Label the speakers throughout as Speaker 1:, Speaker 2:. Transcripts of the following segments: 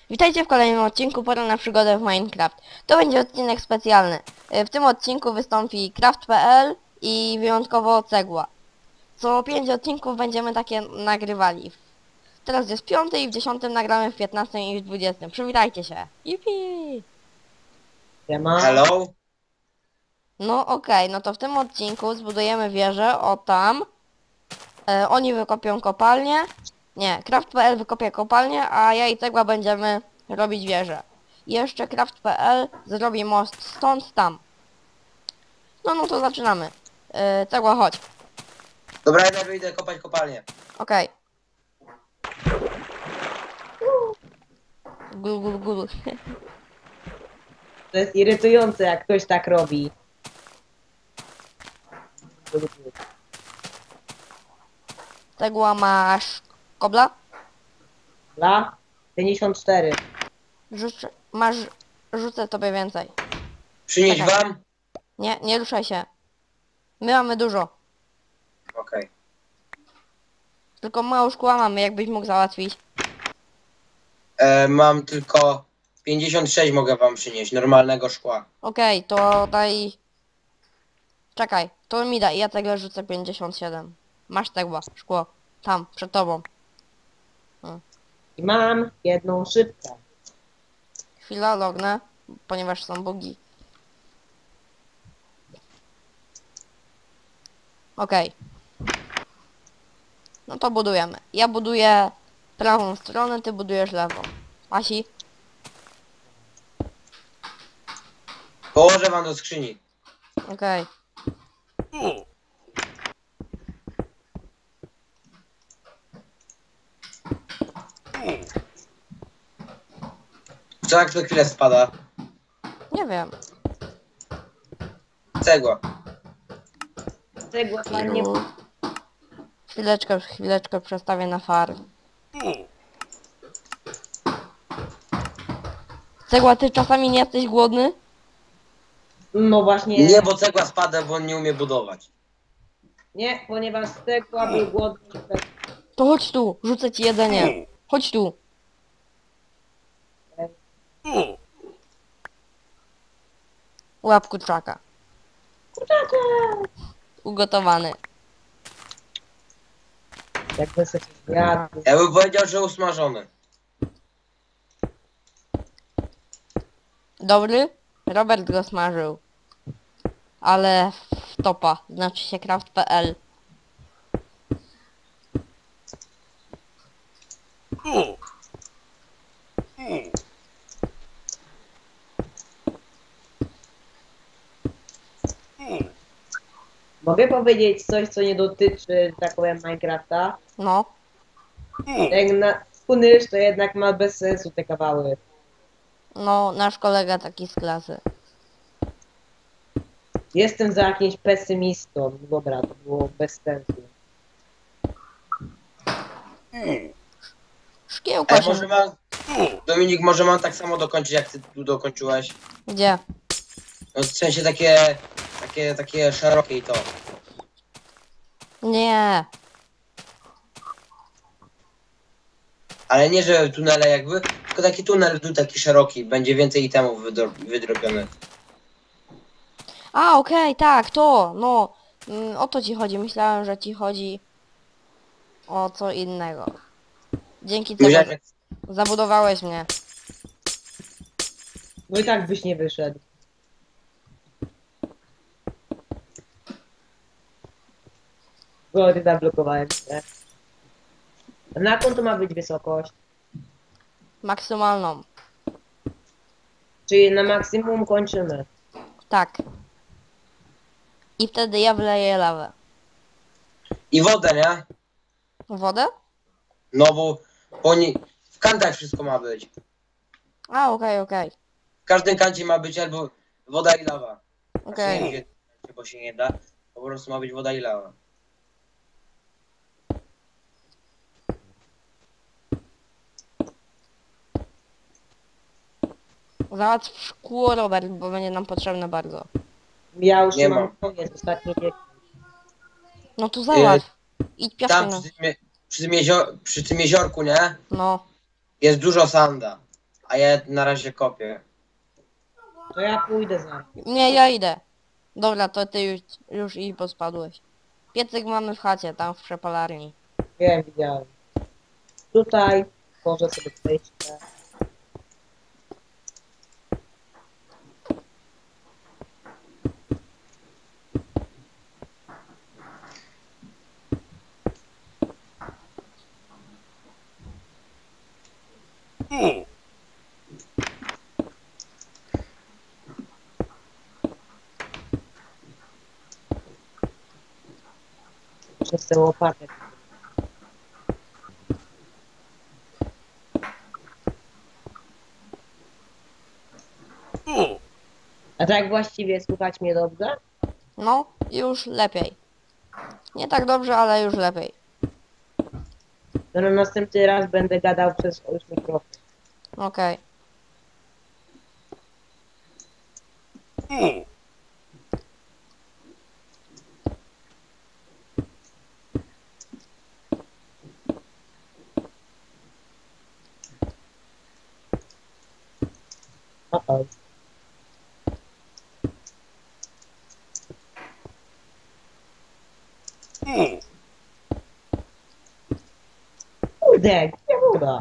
Speaker 1: Witajcie w kolejnym odcinku Pora na przygodę w Minecraft. To będzie odcinek specjalny. W tym odcinku wystąpi Craft.pl i wyjątkowo Cegła. Co 5 odcinków będziemy takie nagrywali. Teraz jest 5 i w 10 nagramy w 15 i w 20. Przywitajcie się. Yippee!
Speaker 2: Siema.
Speaker 3: Hello?
Speaker 1: No okej, no to w tym odcinku zbudujemy wieżę, o tam. Oni wykopią kopalnię. Nie, Craft.pl wykopie kopalnię, a ja i Cegła będziemy robić wieżę. I jeszcze Craft.pl zrobi most stąd tam. No to zaczynamy. Cegła, chodź.
Speaker 3: Dobra, ja wyjdę kopać kopalnię.
Speaker 1: Okej. Gul, gul, gul.
Speaker 2: To jest irytujące, jak ktoś tak robi.
Speaker 1: Cegła, masz kobla?
Speaker 2: Dla 54.
Speaker 1: Rzucę tobie więcej.
Speaker 3: Przynieść
Speaker 1: Czekaj.
Speaker 3: wam?
Speaker 1: Nie ruszaj się. My mamy dużo.
Speaker 3: Okej.
Speaker 1: Tylko mało szkła mamy, jakbyś mógł załatwić.
Speaker 3: Mam tylko 56 mogę wam przynieść, normalnego szkła.
Speaker 1: Okej, to daj... Czekaj, to mi daj, ja tego rzucę 57. Masz Cegła, szkło. Tam, przed tobą.
Speaker 2: I mam jedną szybkę.
Speaker 1: Chwila, lognę, ponieważ są bugi. Okej. No to budujemy. Ja buduję prawą stronę, ty budujesz lewą. Asi?
Speaker 3: Położę wam do skrzyni.
Speaker 1: Okej.
Speaker 3: Co jak co chwilę spada?
Speaker 1: Nie wiem.
Speaker 3: Cegła.
Speaker 2: Cegła ładnie.
Speaker 1: Chwileczkę przestawię na farm. Cegła, ty czasami nie jesteś głodny?
Speaker 2: No właśnie.
Speaker 3: Nie, bo cegła spada, bo on nie umie budować.
Speaker 2: Nie, ponieważ cegła był głodny.
Speaker 1: To chodź tu, rzucę ci jedzenie. Chodź tu. Łap kurczaka. Ugotowany.
Speaker 2: Jakby sobie zjadł.
Speaker 3: Ja bym powiedział, że usmażony.
Speaker 1: Dobry? Robert go smażył. Ale w topa, znaczy się Craft.pl.
Speaker 2: Mogę powiedzieć coś, co nie dotyczy, że tak powiem, Minecrafta?
Speaker 1: No,
Speaker 2: Jak na Kunysz, to jednak ma bez sensu te kawały.
Speaker 1: no, nasz kolega taki z klasy.
Speaker 2: Jestem za jakimś pesymistą. Dobra, to było bez sensu.
Speaker 1: Szkiełka
Speaker 3: Ej,
Speaker 1: się...
Speaker 3: może mam... Dominik, może mam tak samo dokończyć, jak ty tu dokończyłeś?
Speaker 1: Gdzie?
Speaker 3: No w sensie takie szerokie i to.
Speaker 1: Nie.
Speaker 3: Ale nie, że tunele jakby, tylko taki tunel tu taki szeroki, będzie więcej itemów wydrobionych.
Speaker 1: A, okej, tak, to, no. O to ci chodzi. Myślałem, że ci chodzi o co innego. Dzięki temu
Speaker 3: Myślałem, że...
Speaker 1: zabudowałeś mnie.
Speaker 2: No i tak byś nie wyszedł. Bo ty zablokowałem się. A na jaką to ma być wysokość?
Speaker 1: Maksymalną.
Speaker 2: Czyli na maksimum kończymy.
Speaker 1: Tak. I wtedy ja wleję lawę.
Speaker 3: I wodę, nie?
Speaker 1: Wodę?
Speaker 3: No bo oni... W kantach wszystko ma być.
Speaker 1: A, okej.
Speaker 3: W każdym kancie ma być albo woda i lawa.
Speaker 1: Okej.
Speaker 3: Znaczy, nie, bo się nie da. Po prostu ma być woda i lawa.
Speaker 1: Załatw szkło, Robert, bo będzie nam potrzebne bardzo.
Speaker 2: Ja już
Speaker 3: Nie
Speaker 2: mam
Speaker 3: mam.
Speaker 2: koniec ostatni wiek.
Speaker 1: No to załatw. Idź piaskiem.
Speaker 3: Tam przy tym jeziorku, nie?
Speaker 1: No.
Speaker 3: Jest dużo sanda. A ja na razie kopię.
Speaker 2: To ja pójdę zaraz.
Speaker 1: Nie, ja idę. Dobra, to ty już i pospadłeś. Piecyk mamy w chacie, tam w przepalarni.
Speaker 2: Wiem, widziałem. Tutaj może sobie przejście. Przez tę łopatę. A tak właściwie słuchać mnie dobrze?
Speaker 1: No, już lepiej. Nie tak dobrze, ale już lepiej.
Speaker 2: To na następny raz będę gadał przez już mikrofon.
Speaker 1: Okej.
Speaker 2: O. Kurde, gdzie woda?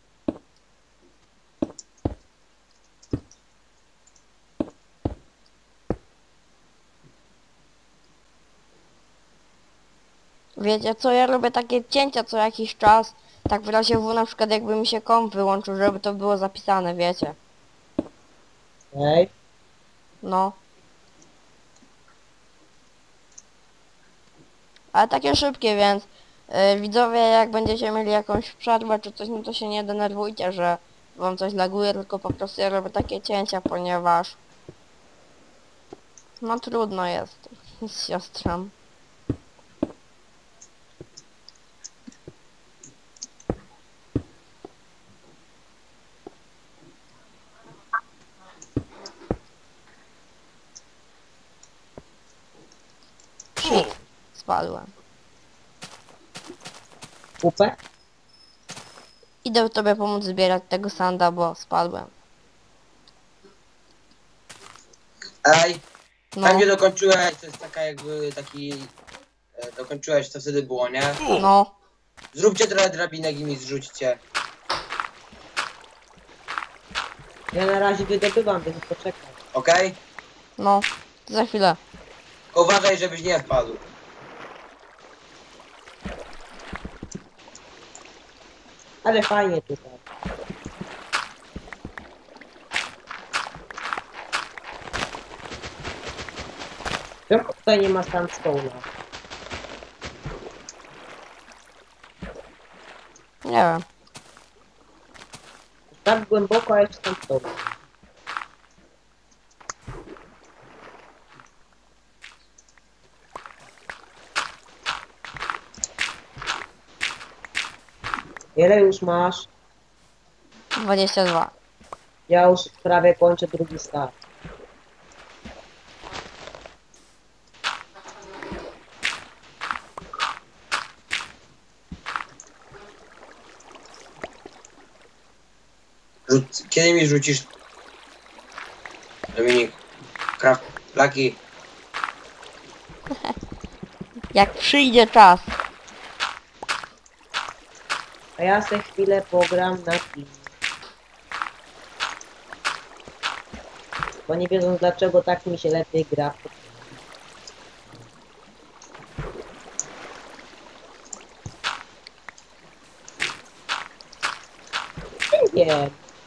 Speaker 1: Wiecie co, ja robię takie cięcia co jakiś czas. Tak w razie W, na przykład jakby mi się komp wyłączył, żeby to było zapisane, wiecie.
Speaker 2: Ej,
Speaker 1: No. Ale takie szybkie, więc widzowie, jak będziecie mieli jakąś przerwę czy coś, no to się nie denerwujcie, że wam coś laguje, tylko po prostu ja robię takie cięcia, ponieważ no trudno jest z siostrą. Shit, spadłem.
Speaker 2: kupę?
Speaker 1: Idę tobie pomóc zbierać tego sanda, bo spadłem.
Speaker 3: Ej,
Speaker 1: No,
Speaker 3: tam gdzie dokończyłeś, to jest taka jakby taki... dokończyłeś, to wtedy było, nie?
Speaker 1: no.
Speaker 3: Zróbcie trochę drabinek i mi zrzućcie.
Speaker 2: Ja na razie wydobywam, więc poczekaj.
Speaker 3: Okej?
Speaker 1: No, za chwilę.
Speaker 3: Tylko uważaj, żebyś nie wpadł.
Speaker 2: Ale fajnie tutaj. Czemu tutaj nie ma sandstone'a?
Speaker 1: Nie wiem.
Speaker 2: Tak głęboko, a jest sandstone. Ile już masz?
Speaker 1: 22.
Speaker 2: Ja już prawie kończę drugi start.
Speaker 3: Kiedy mi rzucisz... Dominik... Craft... Lucky...
Speaker 1: Jak przyjdzie czas.
Speaker 2: A ja se chwilę pogram na film. Bo nie wiedząc dlaczego tak mi się lepiej gra. Nie wiem.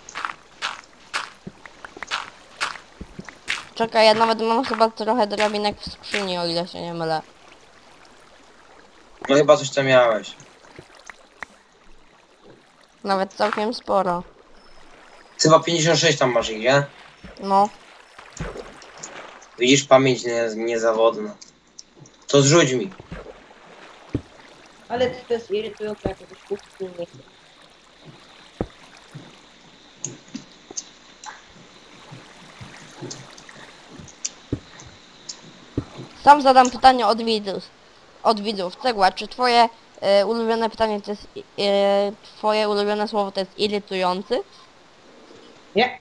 Speaker 1: Czekaj, ja nawet mam chyba trochę drabinek w skrzyni, o ile się nie mylę.
Speaker 3: No chyba coś tam miałeś.
Speaker 1: Nawet całkiem sporo.
Speaker 3: Chyba 56 tam masz ich, nie?
Speaker 1: No,
Speaker 3: Widzisz, pamięć niezawodna. To zrzuć mi.
Speaker 2: Ale to jest irytujące, jak ktoś kupi nie chce.
Speaker 1: sam zadam pytanie od widzów. Od widzów. Cegła, czy twoje ulubione pytanie to jest... twoje ulubione słowo to jest irytujący?
Speaker 2: Nie,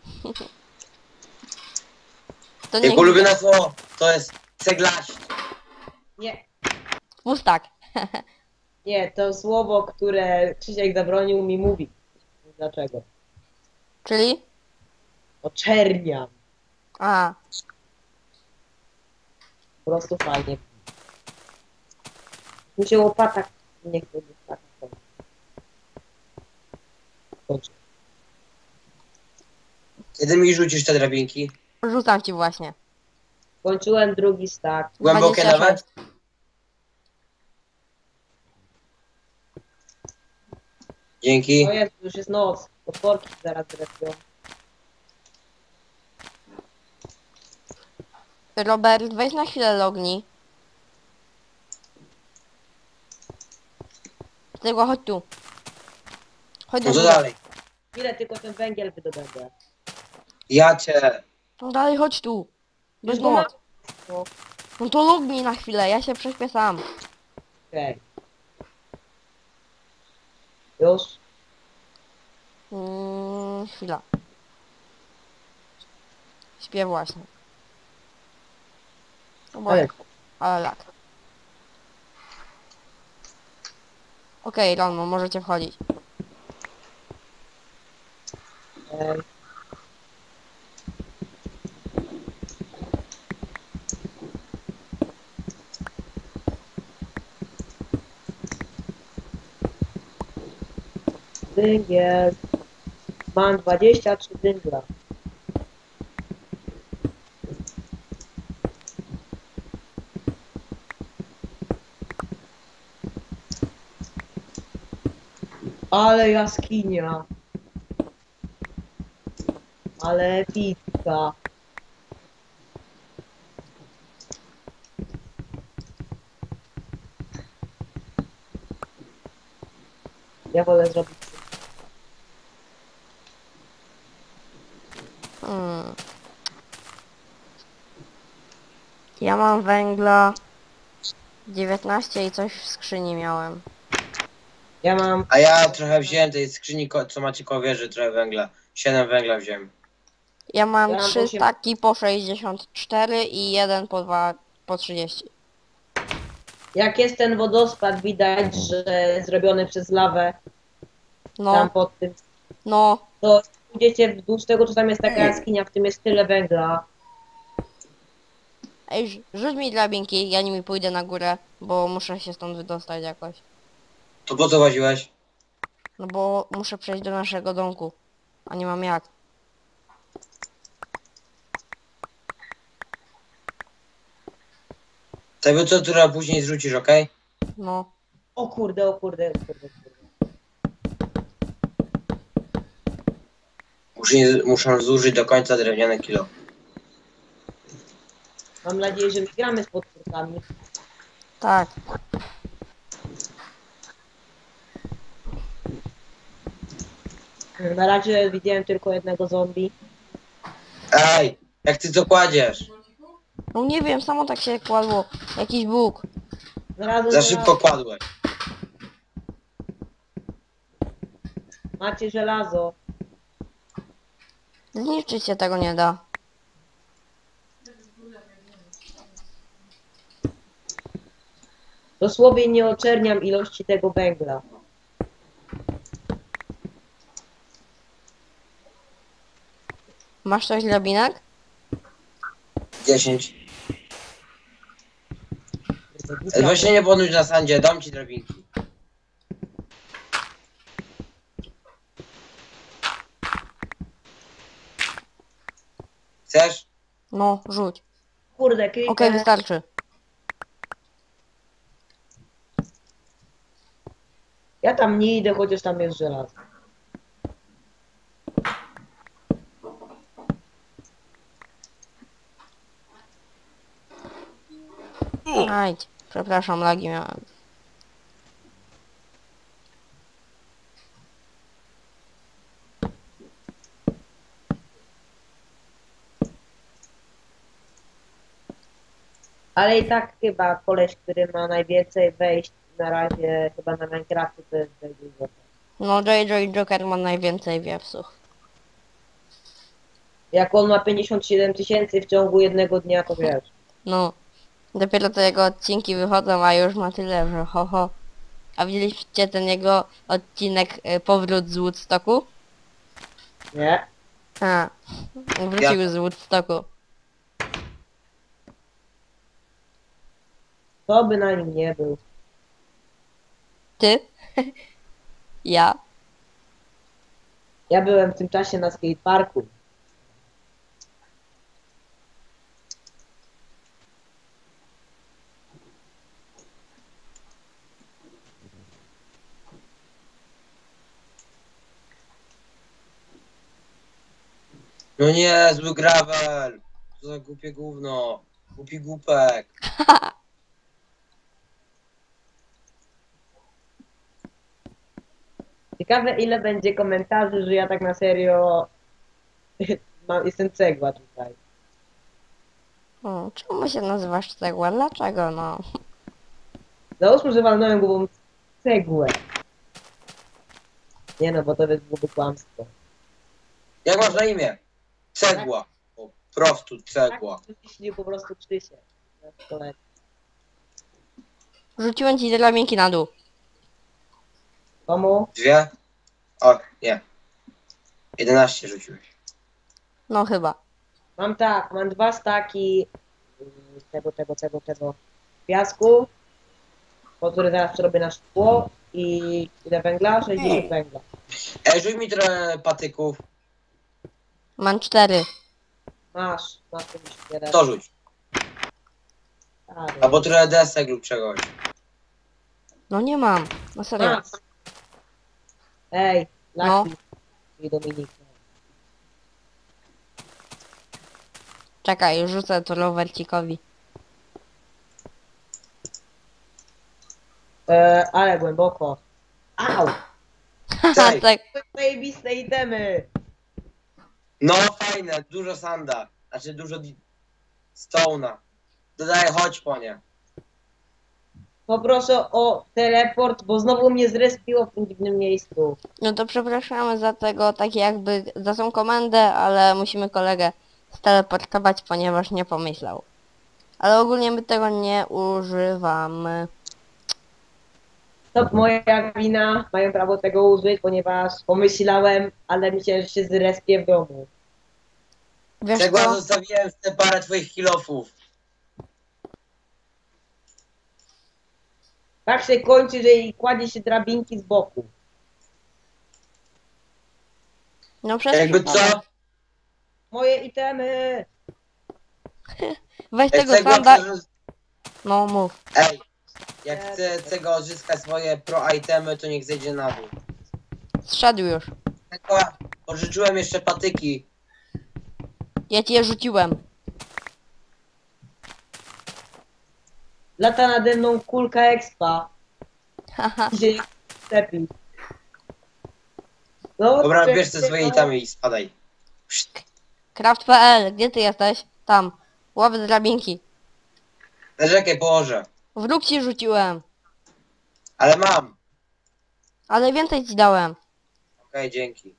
Speaker 1: To nie
Speaker 3: Jego ulubione słowo to jest ceglaść.
Speaker 2: nie,
Speaker 1: pustak.
Speaker 2: nie, to słowo, które Krzysiek zabronił mi mówić. Dlaczego?
Speaker 1: Czyli?
Speaker 2: Oczerniam.
Speaker 1: A,
Speaker 2: Po prostu fajnie. Mi się łopata nie chce dostać. Dobrze.
Speaker 3: Kiedy mi rzucisz te drabinki?
Speaker 1: rzucam ci właśnie.
Speaker 2: Kończyłem drugi stack.
Speaker 3: Głębokie
Speaker 1: 26.
Speaker 3: nawet? Dzięki.
Speaker 2: O jest, już jest noc. Potworki zaraz zrespią.
Speaker 1: Robert, weź na chwilę lognij. Tylko chodź tu. Chodź do
Speaker 3: No to
Speaker 1: góry.
Speaker 3: dalej.
Speaker 2: Ile tylko ten węgiel wydobędę.
Speaker 3: Ja cię.
Speaker 1: No dalej chodź tu. Bez
Speaker 2: Już go mam.
Speaker 1: mocy. No to lognij na chwilę, ja się prześpię sam.
Speaker 2: Okej. Już?
Speaker 1: Chwila. Śpię właśnie. No bo
Speaker 2: Ale
Speaker 1: ale lag. Okej, Ronmo, możecie wchodzić.
Speaker 2: Ej. Węgiel. Mam 23 węgla. Ale jaskinia. Ale pizza. Ja wolę zrobić.
Speaker 1: Hmm. Ja mam węgla 19 i coś w skrzyni miałem.
Speaker 2: Ja mam.
Speaker 3: A ja trochę wziąłem tej skrzyni, co macie koło wieży, trochę węgla. 7 węgla wziąłem.
Speaker 1: Ja mam
Speaker 2: Ja mam
Speaker 1: 3
Speaker 2: osiem.
Speaker 1: staki po 64 i jeden po 2 po 30.
Speaker 2: Jak jest ten wodospad, widać, że zrobiony przez lawę tam
Speaker 1: No,
Speaker 2: pod tym.
Speaker 1: no,
Speaker 2: To pójdziecie wzdłuż tego, co tam jest taka jaskinia, w tym jest tyle węgla.
Speaker 1: ej, rzuć mi drabinki, ja nimi pójdę na górę, bo muszę się stąd wydostać jakoś.
Speaker 3: To po co łaziłeś?
Speaker 1: No bo muszę przejść do naszego domku, a nie mam jak.
Speaker 3: Tego cotura później zrzucisz, okej?
Speaker 1: No,
Speaker 2: O kurde, o kurde, o kurde.
Speaker 3: Muszę zużyć do końca drewniane kilo.
Speaker 2: Mam nadzieję, że gramy z potwórkami.
Speaker 1: tak.
Speaker 2: Na razie widziałem tylko jednego zombie.
Speaker 3: Ej, jak ty to kładziesz?
Speaker 1: No nie wiem, samo tak się kładło. Jakiś Bóg.
Speaker 2: Znalazłem
Speaker 3: Za szybko kładłeś.
Speaker 2: Macie żelazo.
Speaker 1: Zniszczyć się tego nie da.
Speaker 2: Dosłownie nie oczerniam ilości tego węgla.
Speaker 1: Masz coś drabinek?
Speaker 3: 10. Właśnie nie podnóż na sandzie, dam ci drabinki. Chcesz?
Speaker 1: No, rzuć.
Speaker 2: Kurde,
Speaker 1: Okej,
Speaker 2: creeper.
Speaker 1: wystarczy.
Speaker 2: Ja tam nie idę, chociaż tam jest żelazo.
Speaker 1: Ajdź. Przepraszam, lagi miałem.
Speaker 2: Ale i tak chyba koleś, który ma najwięcej wejść na razie chyba na Minecrafcie, to jest JJ Joker.
Speaker 1: No, JJ Joker ma najwięcej wiepsów.
Speaker 2: Jak on ma 57 tysięcy w ciągu jednego dnia, to wiesz.
Speaker 1: No. Dopiero to jego odcinki wychodzą, a już ma tyle, że ho ho. A widzieliście ten jego odcinek Powrót z Woodstocku?
Speaker 2: Nie?
Speaker 1: A, wrócił z Woodstocku.
Speaker 2: To by na nim nie był.
Speaker 1: Ty? Ja?
Speaker 2: Ja byłem w tym czasie na skateparku.
Speaker 3: No nie, zły gravel. Co za głupie gówno. Głupi głupek.
Speaker 2: Ciekawe ile będzie komentarzy, że ja tak na serio jestem cegła tutaj.
Speaker 1: Czemu się nazywasz cegła? Dlaczego no?
Speaker 2: Załóżmy, że walnąłem głową cegłę. Nie no, bo to byłoby kłamstwo.
Speaker 3: Jak masz na imię? Cegła. Po prostu cegła.
Speaker 2: Tak, jeśli po prostu Krzysiek.
Speaker 1: Rzuciłem ci drabinki na dół.
Speaker 2: Komu?
Speaker 3: 2? O, nie. 11 rzuciłeś.
Speaker 1: No chyba.
Speaker 2: Mam 2 staki tego piasku, po który zaraz przerobię na szkło i ile węgla? 60 węgla.
Speaker 3: Ej, rzuć mi trochę patyków.
Speaker 1: Mam 4.
Speaker 2: Masz 51.
Speaker 3: To rzuć. Albo trochę desek lub czegoś.
Speaker 1: No nie mam. No serio.
Speaker 2: Masz. Ej,
Speaker 1: No.
Speaker 2: Lucky i Dominik.
Speaker 1: Czekaj, rzucę to rowercikowi.
Speaker 2: Ale głęboko. Au!
Speaker 1: Haha,
Speaker 3: Ej.
Speaker 1: tak.
Speaker 2: Zajebiste itemy!
Speaker 3: No fajne, dużo sanda. Znaczy dużo stone'a. Dodaj, chodź po nie.
Speaker 2: Poproszę o teleport, bo znowu mnie zrespiło w tym dziwnym miejscu.
Speaker 1: No to przepraszamy za tego, tak jakby za tą komendę, ale musimy kolegę steleportować, ponieważ nie pomyślał. Ale ogólnie my tego nie używamy.
Speaker 2: To moja wina, mają prawo tego użyć, ponieważ pomyślałem, ale myślałem, że się zrespię w domu.
Speaker 1: Wiesz
Speaker 3: Cegła
Speaker 1: co?
Speaker 3: zostawiłem w te parę twoich kilofów.
Speaker 2: Tak się kończy, że i kładzie się drabinki z boku.
Speaker 1: No przecież
Speaker 3: Jakby co?
Speaker 2: Moje itemy!
Speaker 1: Weź
Speaker 3: Jak
Speaker 1: tego
Speaker 3: cegła
Speaker 1: sanda.
Speaker 3: przerzuc-
Speaker 1: No mów.
Speaker 3: Ej, jak chce cegła odzyskać swoje pro itemy, to niech zejdzie na dół.
Speaker 1: Zszedł już.
Speaker 3: Cegła, pożyczyłem jeszcze patyki.
Speaker 1: Ja ci je rzuciłem.
Speaker 2: Lata nade mną kulka expa.
Speaker 1: Haha.
Speaker 2: I się nie stepi. No,
Speaker 3: Dobra,
Speaker 2: czekaj,
Speaker 3: bierz te swoje itemy i spadaj. Pszt.
Speaker 1: Craft.pl, gdzie ty jesteś? Tam. Łap drabinki.
Speaker 3: Narzekaj, położę.
Speaker 1: Wróg ci rzuciłem.
Speaker 3: Ale mam.
Speaker 1: Ale więcej ci dałem.
Speaker 3: Okej, dzięki.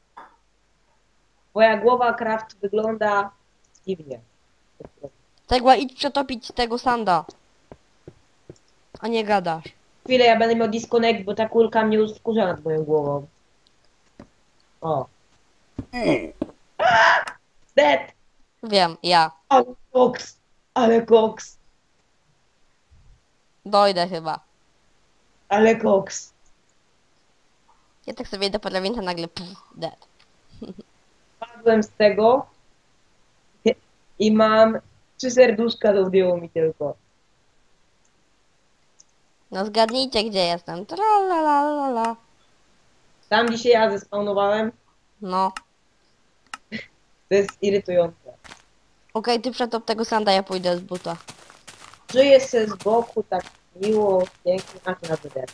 Speaker 2: Twoja głowa craft wygląda dziwnie.
Speaker 1: Tegła, idź przetopić tego sanda. A nie gadasz.
Speaker 2: Chwilę, ja będę miał disconnect, bo ta kulka mnie już wkurza nad moją głową. O. Dead!
Speaker 1: Wiem, ja.
Speaker 2: Ale koks! Ale koks!
Speaker 1: Dojdę chyba.
Speaker 2: Ale koks!
Speaker 1: Ja tak sobie idę po drabince, nagle dead.
Speaker 2: Padłem z tego i mam 3 serduszka, to zdjęło mi tylko.
Speaker 1: No zgadnijcie, gdzie jestem. Tralalala.
Speaker 2: Tam dzisiaj ja zespawnowałem,
Speaker 1: No.
Speaker 2: to jest irytujące.
Speaker 1: Okej, ty przetop tego sanda, ja pójdę z buta.
Speaker 2: Żyję se z boku tak miło, pięknie, a ty na wyder.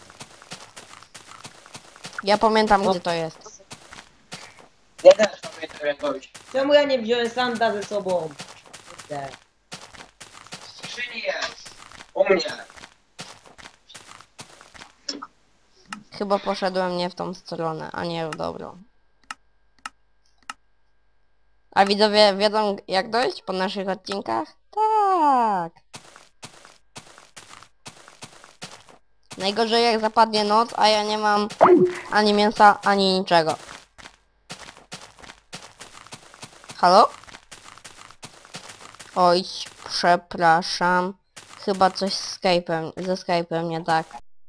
Speaker 1: Ja pamiętam,
Speaker 2: No.
Speaker 1: gdzie to jest.
Speaker 3: Ja też pamiętam jakoś.
Speaker 2: Czemu ja nie wziąłem sanda ze sobą? Kurde.
Speaker 3: W skrzyni jest. U mnie.
Speaker 1: Chyba poszedłem nie w tą stronę, a nie w dobrą. A widzowie wiedzą jak dojść po naszych odcinkach? Tak. Najgorzej jak zapadnie noc, a ja nie mam ani mięsa, ani niczego. Halo? Oj, przepraszam. Chyba coś z Skype'em, ze Skype'em nie tak.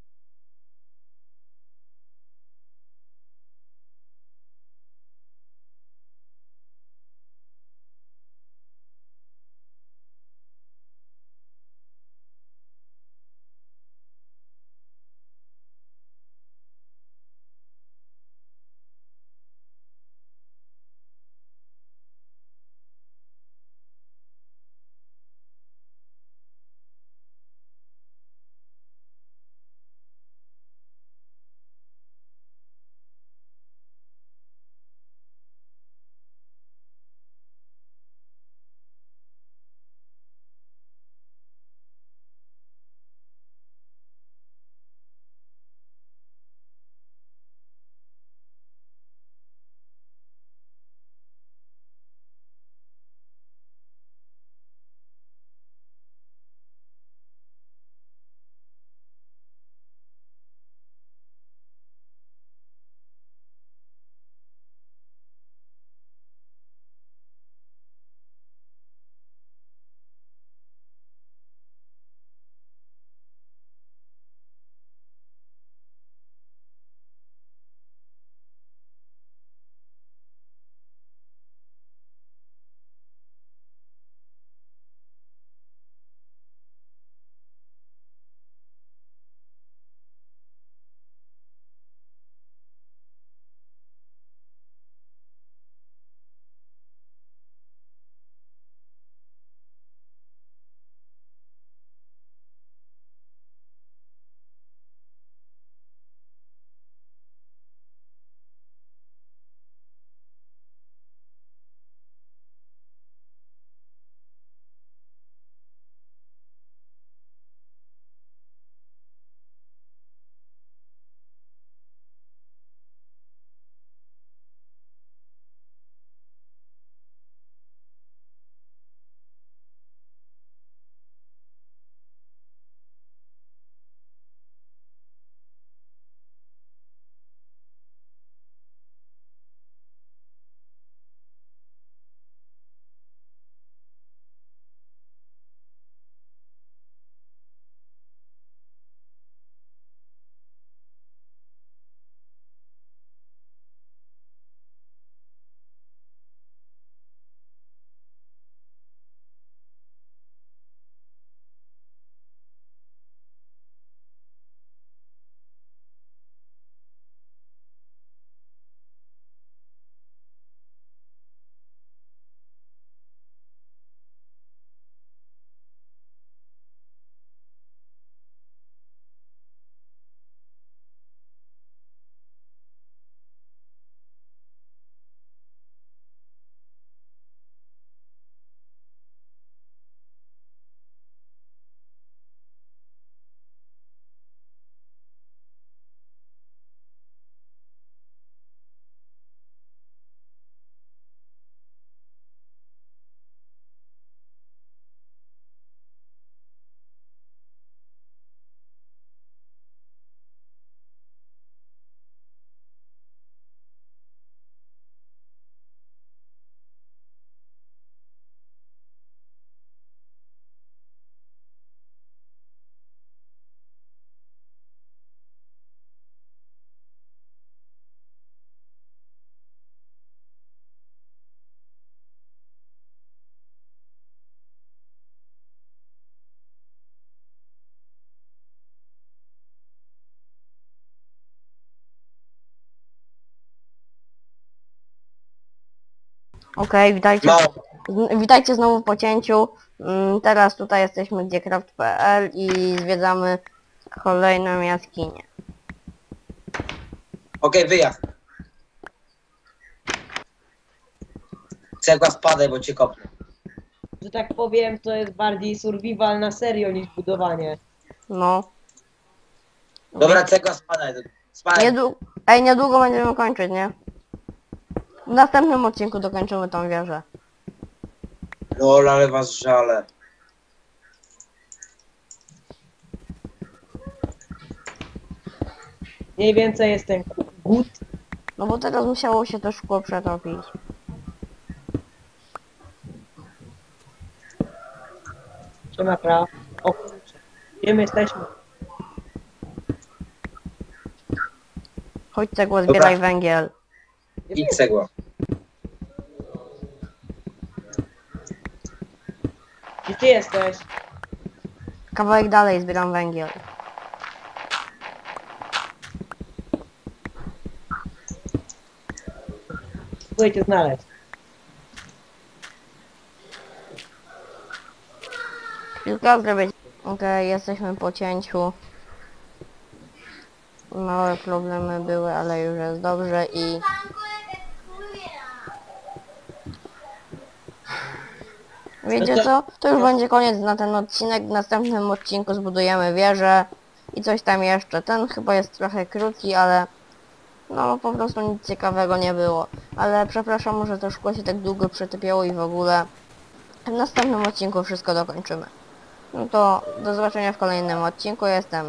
Speaker 1: Okej, witajcie.
Speaker 3: Mało.
Speaker 1: Witajcie znowu po cięciu. Teraz tutaj jesteśmy gdzie craft.pl i zwiedzamy kolejną jaskinię.
Speaker 3: Okej, wyjazd. Cegła spadaj, bo cię kopnę.
Speaker 2: Że tak powiem, to jest bardziej survival na serio niż budowanie.
Speaker 1: No.
Speaker 3: Dobra, cegła spadaj. Spadaj.
Speaker 1: Ej, niedługo będziemy kończyć, nie? W następnym odcinku dokończymy tą wieżę.
Speaker 3: Lol, ale was żale.
Speaker 2: Mniej więcej jest ten gut.
Speaker 1: No bo teraz musiało się to szkło przetopić.
Speaker 2: Trzyma praw. O kurczę. Gdzie my jesteśmy?
Speaker 1: Chodź cegło, zbieraj
Speaker 3: Dobra.
Speaker 1: węgiel.
Speaker 3: I cegła.
Speaker 2: Gdzie ty jesteś?
Speaker 1: Kawałek dalej zbieram węgiel.
Speaker 2: Próbuję cię znaleźć.
Speaker 1: Chwilkę zrobię. Okej, jesteśmy po cięciu. Małe problemy były, ale już jest dobrze i... Wiecie co? To już będzie koniec na ten odcinek. W następnym odcinku zbudujemy wieżę i coś tam jeszcze. Ten chyba jest trochę krótki, ale no po prostu nic ciekawego nie było. Ale przepraszam, że to szkło się tak długo przetypiało i w ogóle. W następnym odcinku wszystko dokończymy. No to do zobaczenia w kolejnym odcinku. Jestem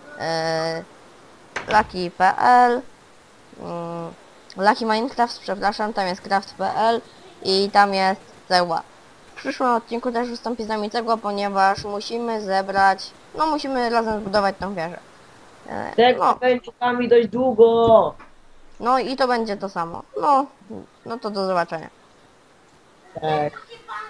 Speaker 1: Lucky.pl Lucky Minecraft, przepraszam, tam jest craft.pl i tam jest cegła. W przyszłym odcinku też wystąpi z nami cegła, ponieważ musimy zebrać, no musimy razem zbudować tą wieżę.
Speaker 2: Tego będzie z wami dość długo.
Speaker 1: No i to będzie to samo. No to do zobaczenia.
Speaker 2: Tak.